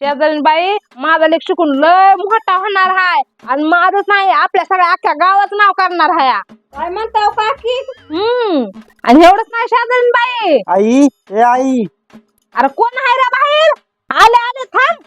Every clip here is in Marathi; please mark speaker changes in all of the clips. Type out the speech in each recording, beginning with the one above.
Speaker 1: शेजारी बाई माझा लेक शिकून लय मोठा होणार हाय आणि माझंच नाही आपल्या सगळ्या अख्ख्या गावाचं नाव करणार हाय.
Speaker 2: काय म्हणताव काकी?
Speaker 1: आणि एवढंच नाही शेजारी बाई.
Speaker 3: आई ए आई
Speaker 1: अरे कोण आहे रे बाहेर? आले आले थांब.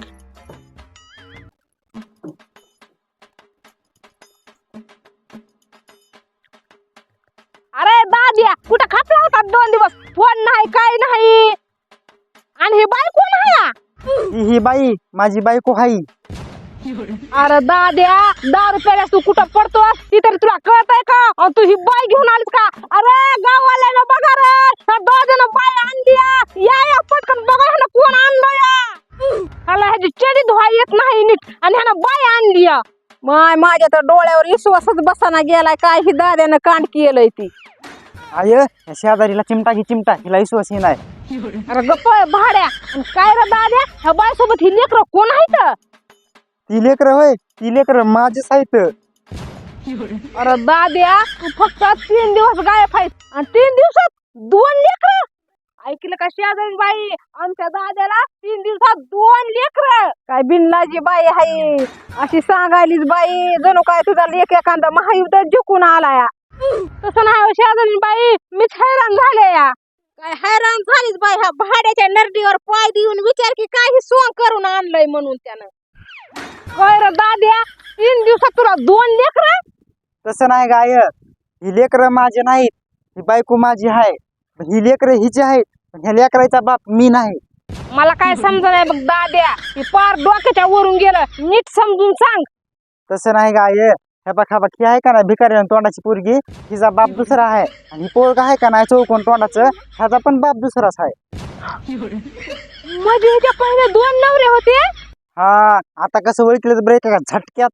Speaker 1: अरे दाद्या कुठं खापला होता 2 दिवस? फोन नाही काय नाही. आणि ही बाई कोण आहे?
Speaker 3: ही बाई माझी बायको हाई.
Speaker 1: अरे दाद्या 10 रुपयाला तू कुठं पडतोस ती तरी तुला कळतंय का? आणि तू ही बाई घेऊन आलीस का? अरे गाववाल्यानं बघा रे, ह्या दाद्यानं बाई आणली या पटकन बघा ह्यानं कोण आणलं या. ह्याला ह्याची चेडी धुवा येत नाही नीट आणि ह्यानं बाई आणली या.
Speaker 2: माझ्या तर डोळ्यावर विश्वासच बसाना गेलाय. काय ही दाद्यानं कांड केलंय ती.
Speaker 3: आय या शेजारीला चिमटा घे चिमटा, हिला विश्वास हे नाही.
Speaker 1: अरे गप्प भाड्या. आणि काय रे दाद्या ह्या बाई सोबत ही लेकरं कोण आहेत?
Speaker 3: ती लेकर होय, ती लेकर माझेच आहेत.
Speaker 1: अरे दाद्या तू फक्त 3 दिवस गायब आहेस आणि 3 दिवसात 2 लेकरं. ऐकलं का शेजारी बाई? आमच्या दाद्याला 3 दिवसात 2 लेकरं.
Speaker 2: काय बिनलाजी बाई हाय अशी सांगायलीच बाई. जणू काय तुझा लेक एखादा महायुद्ध जिंकून आलाय.
Speaker 1: तसं नाही हो शेजारी बाई, मीच हैराण झाले या.
Speaker 2: काय हैराण झालीच बाई. ह्या भाड्याच्या नरडीवर पाय देऊन विचार की काही सोंग करून आणलंय म्हणून त्यानं.
Speaker 1: काय रे दाद्या 3 दिवसात तुला 2 लेकरं?
Speaker 3: तसं नाही गाय, ही लेकर माझे नाहीत, ही बायको माझी आहे. ही लेकर हिची आहेत, पण ह्या लेकराचा बाप मी नाही.
Speaker 1: मला काय समजा नाही बघ दाद्या. ही पार डोक्याच्या वरून गेलं. नीट समजून सांग.
Speaker 3: तसं नाही गाय, ह्या बघा ही आहे का नाही भिकारी तोंडाची पोरगी, हिचा बाप दुसरा आहे. आणि ही पोरगा आहे का नाही चौकोन तोंडाचं, ह्याचा पण बाप दुसराच आहे.
Speaker 1: म्हणजे ह्याच्या पहिले 2 नवरे होते?
Speaker 3: हा आता कसं ओळखलं तर ब्रेक का झटक्यात.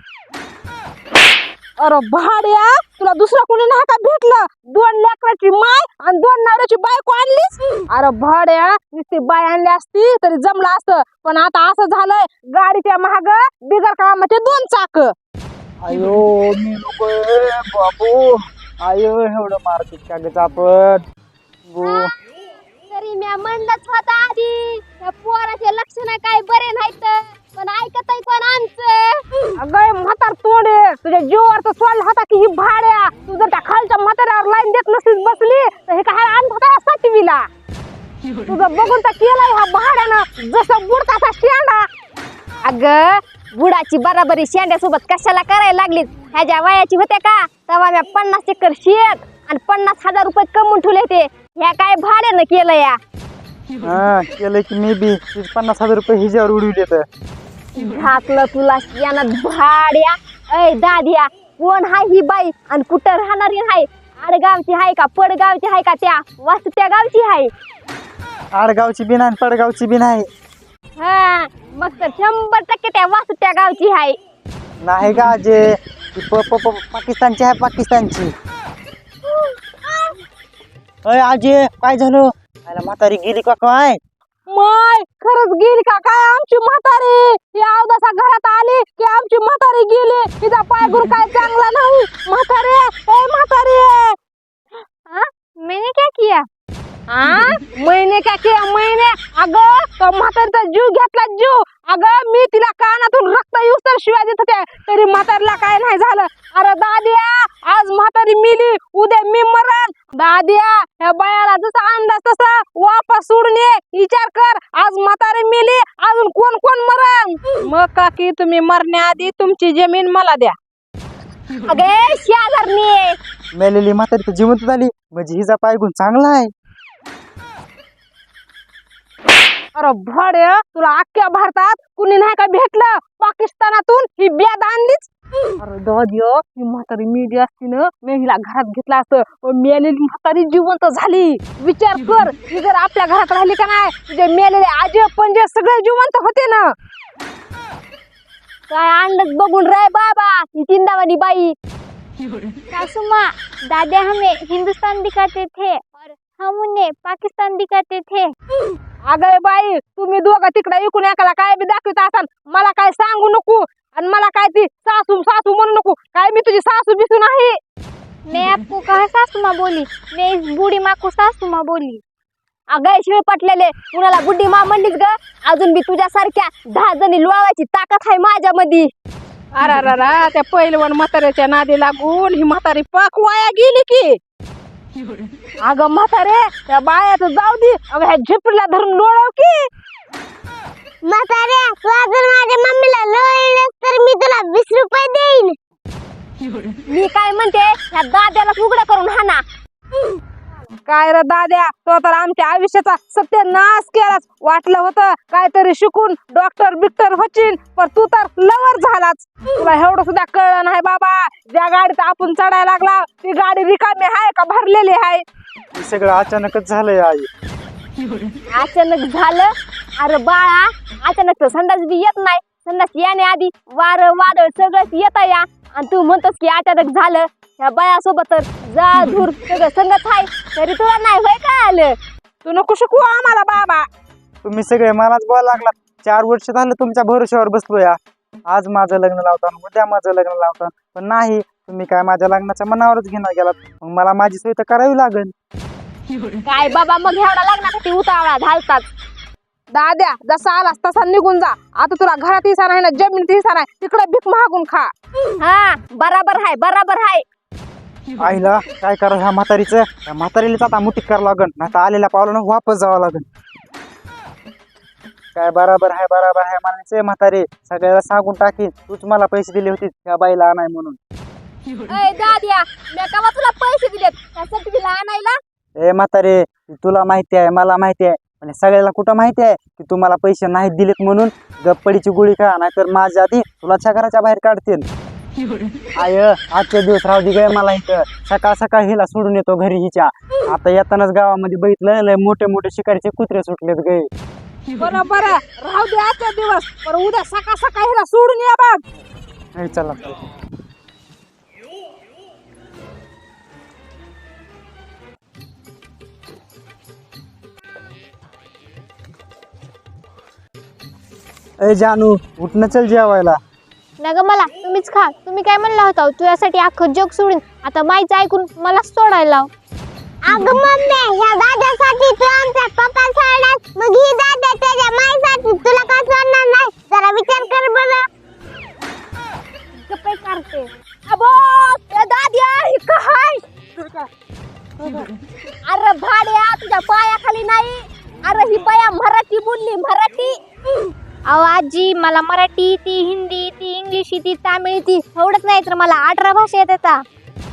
Speaker 1: अरे भाड्या तुला दुसरा कोणी नाही का भेटलं? 2 लेकराची माय आणि 2 नवऱ्याची बायको आणलीस? अरे भाड्या नुसती बाय आणली असती तरी जमलं असतं, पण आता असं झालंय गाडीच्या महाग बिगर कामाचे 2 चाक.
Speaker 3: आयो मी नको बाबू. आयो एवढं मारतीत का ग चापट.
Speaker 4: तरी मी म्हणलंच होता आधी त्या पोराचे लक्षण काय बरे नाहीत, पण ऐकतय कोण आमचं?
Speaker 1: अगं म्हातार तोंडे तुझ्या जीवावर तर सोडला होता की ही भाड्या. तू जर त्या खालच्या म्हाताऱ्यावर लाईन देत नसलीस बसली तर हे काय आणत होता 7वीला. तुझं बघून तर केलंय ह्या भाड्यानं जसं बुडता तसा शेंडा.
Speaker 4: अगं बुडाची बराबरी शेंड्यासोबत कशाला करायला लागलीत? ह्याच्या वयाची होते का तेव्हा मी 50 एकर शेत आणि 50,000 रुपये कमवून ठेवले ते. ह्या काय भाड्यानं केलं या?
Speaker 3: हा केलं की मी बी 50,000 रुपये हिच्यावर उडविले तर.
Speaker 4: घातलं तुला यानं भाड्या. ऐ दाद्या कोण हाय ही बाई आणि कुठं राहणारी हाय? आडगावची हाय का पडगावची हाय का त्या वासुट्या गावची हाय?
Speaker 3: आडगावची बी नाही पडगावची बी नाही.
Speaker 4: हा मग तर 100% त्या वासुट्या गावची हाय.
Speaker 3: नाही का जे पाकिस्तानची आहे पाकिस्तानची. अय आजे काय झालं? म्हातारी गेली का काय?
Speaker 1: माय खरंच गेली का काय आमची म्हातारी? ही अवदासा घरात आली की आमची म्हातारी गेली. तिचा पायगुर काय चांगला नाही. म्हातारी ए म्हातारी.
Speaker 4: मैंने क्या किया?
Speaker 1: महिने का के महिने? अगं तो म्हातारीचा जीव घेतला जीव. अगं मी तिला कानातून रक्त येऊस तर शिवाय देत होते तरी म्हातारीला काय नाही झालं. अरे दाद्या आज म्हातारी मिली उद्या मी मरण. दाद्या ह्या बायाला जसा अंदाज तसा वापस सोडून ये. विचार कर आज म्हातारी मिली अजून कोण कोण मरण.
Speaker 2: मग काकी तुम्ही मरण्याआधी तुमची जमीन मला द्या.
Speaker 4: अगे शेजारनी
Speaker 3: मेलेली म्हातारी तर जिवंत झाली म्हणजे हिचा पायगुण चांगला आहे.
Speaker 1: अरे भाड्या तुला अख्ख्या भारतात कुणी नाही का भेटलं? पाकिस्तानातून ही ब्याद आणलीच. अरे दाद्या ही म्हातारी मेली असती ना मी हिला घरात घेतला असतं, पण मेलेली म्हातारी जिवंत झाली. विचार कर ही जर आपल्या घरात राहिली का नाही तुझे मेलेले आजे पंजे सगळे जिवंत होते ना.
Speaker 4: काय अंडच बघून रे बाबा ही चिंदावानी बाई. सासू माँ दादा हमें हिंदुस्तान दिखाते थे और हम उन्हें पाकिस्तान दिखाते थे.
Speaker 1: अगं बाई तुम्ही दोघं तिकडे इकून एकाला काय बी दाखवत असाल मला काय सांगू नको आणि मला काय ती सासू सासू म्हणू नको. काय मी तुझी सासू बिसू नाही.
Speaker 4: मैं आपको कहा सासू माँ बोली? मैं इस बूढ़ी माँ को सासू माँ बोली. अगं शिळ पटलेले कुणाला बुड्डी मा म्हणलीस ग अजून बी तुझ्यासारख्या 10 जणी लोळवायची ताकद आहे माझ्यामध्ये.
Speaker 2: अरा त्या पहिलवान म्हाताऱ्याच्या नादी लागून ही म्हातारी पाक वाया गेली की. अगं म्हातारे त्या बायाचं जाऊ दे, अगं ह्या झिपरीला धरून लोळव की.
Speaker 4: म्हातारे तू अजून माझ्या मम्मीला लोळलंस तर मी तुला 20 रुपये देईन. मी काय म्हणते ह्या दाद्याला उघडं करून हाना.
Speaker 2: काय रे दाद्या, तो तर आमच्या आयुष्याचा सत्यानाश केलाच. वाटलं होतं काहीतरी शिकून डॉक्टर बिक्टर होशील, पण तू तर लवर झालाच. तुला एवढं सुद्धा कळलं नाही बाबा, ज्या गाडीत आपण चढायला लागला ती गाडी रिकामी आहे का भरलेली आहे.
Speaker 3: हे सगळं अचानकच झालंय आई.
Speaker 4: अचानक झालं? अरे बाळा अचानक तर संडास बी येत नाही. संडास येणे आधी वारं वादळ सगळंच येत या आणि तू म्हणतोस की अचानक झालं. ह्या बायासोबत तर जा धूर सगळं संगत आहे तरी तुला नाही होय काय आलं.
Speaker 2: तू नको शिकू आम्हाला बाबा.
Speaker 3: तुम्ही सगळे मलाच बोलायला लागलात. 4 वर्ष झालं तुमच्या भरोश्यावर बसलोय. आज माझं लग्न लावता उद्या माझं लग्न लावता, पण नाही तुम्ही काय माझ्या लग्नाच्या मनावरच घेणार गेलात. मग मला माझी सोय तर करावी लागेल.
Speaker 4: काय बाबा मग एवढा लग्नासाठी उतावळा घालतात.
Speaker 2: दाद्या जसा आलास तसा निघून जा. आता तुला घरात हिसा नाही ना जमिनीत हिसा नाही, तिकडे भीक मागून खा.
Speaker 4: हा बराबर हाय बराबर हाय.
Speaker 3: आईला काय करा ह्या म्हातारीचं, त्या म्हातारीलाच आता मुठीत करावं लागन, नाही तर आलेल्या पावलानं वापस जावं लागन. काय बराबर आहे म्हणायचं म्हातारी, सगळ्याला सांगून टाकीन तूच मला पैसे दिले होते त्या बाईला आणाय म्हणून.
Speaker 4: अय दाद्या मी केव्हा तुला पैसे दिलेत त्यासाठी तिला आणायला.
Speaker 3: ए म्हातारे, तुला माहिती आहे मला माहिती आहे, आणि सगळ्याला कुठं माहिती आहे की तू मला पैसे नाही दिलेत म्हणून. गप्पडीची गोळी खा, नाहीतर माझ्या आधी तुला घराच्या बाहेर काढतील. आय आजच्या दिवस राहू दे गे मला इथं. सकाळ सकाळ हिला सोडून येतो घरी हिच्या. आता येतानाच गावामध्ये बघितलं लय मोठे मोठे शिकारीचे कुत्रे सुटलेत गे.
Speaker 2: बरं राहू दे आजचा दिवस, पण उद्या सकाळ सकाळ हिला सोडून या बघ.
Speaker 3: चला ए जानू उठणं चल जेवायला.
Speaker 5: नग मला तुम्हीच खा. तुम्ही काय म्हणला होता तुझ्यासाठी अख्खं जग सोडून आता माईचं ऐकून मलाच सोडायला लाव.
Speaker 4: अगं मम्मी ह्या दाद्यासाठी तू आमचा पप्पा सोडलास, मग ही दाद्या त्याच्या माईसाठी तुला का सोडणार नाही? जरा विचार कर बरं.
Speaker 5: गप्पे करते.
Speaker 4: अबो त्या दाद्या ही काय? अरे भाड्या तुझ्या पायाखाली नाही. अरे ही बाया मराठी बोलली मराठी.
Speaker 5: अहो आजी मला मराठी ती हिंदी ती इंग्लिश ती तामिळ ती एवढंच नाही तर मला 18 भाषा येतात.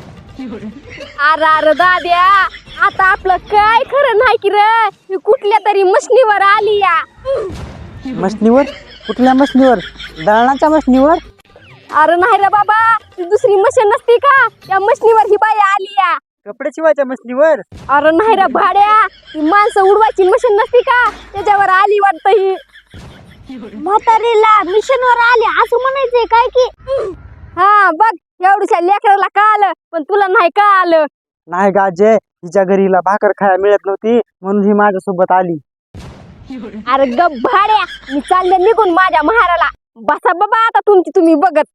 Speaker 4: अरे दाद्या आता आपलं काय खरं नाही की रे. ही कुठल्या तरी मशनीवर आली या.
Speaker 3: मशनीवर? कुठल्या मशनीवर? दळणाच्या मशनीवर?
Speaker 4: अरे नाही रे बाबा, ती दुसरी मशीन नसती का त्या मशनीवर ही बाई आली या.
Speaker 3: कपडे शिवायच्या मशनीवर?
Speaker 4: अरे नाही रे भाड्या, ती माणसं उडवायची मशीन नसती का त्याच्यावर आली वाटतं ही.
Speaker 5: म्हातारीला मिशनवर आले असं म्हणायचंय काय की.
Speaker 4: हा बघ एवढ्या लेकराला का आलं पण तुला नाही का आलं.
Speaker 3: नाही गाजे, हिच्या घरी हिला भाकर खायला मिळत नव्हती म्हणून ही माझ्यासोबत आली.
Speaker 4: अरे गप भाड्या, मी चालले निघून माझ्या महाराला. बसा बाबा आता तुमची तुम्ही बघत.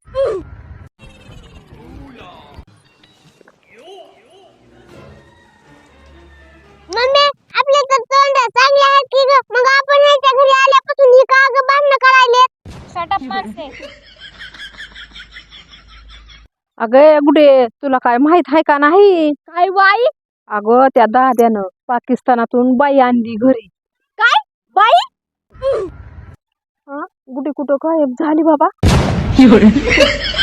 Speaker 5: मम्मी आपले तर तोंड चांगले आहेत की ग, मग आपण याच्या घरी आल्यापासून ही का ग भांडणं करायले. शट अप मारते.
Speaker 2: अगं गुडे, तुला काय माहित आहे का नाही?
Speaker 4: काय बाई?
Speaker 2: अगं त्या दाद्यानं पाकिस्तानातून बाई आणली घरी.
Speaker 4: काय बाई?
Speaker 2: गुडे कुठं गायब झाली बाबा.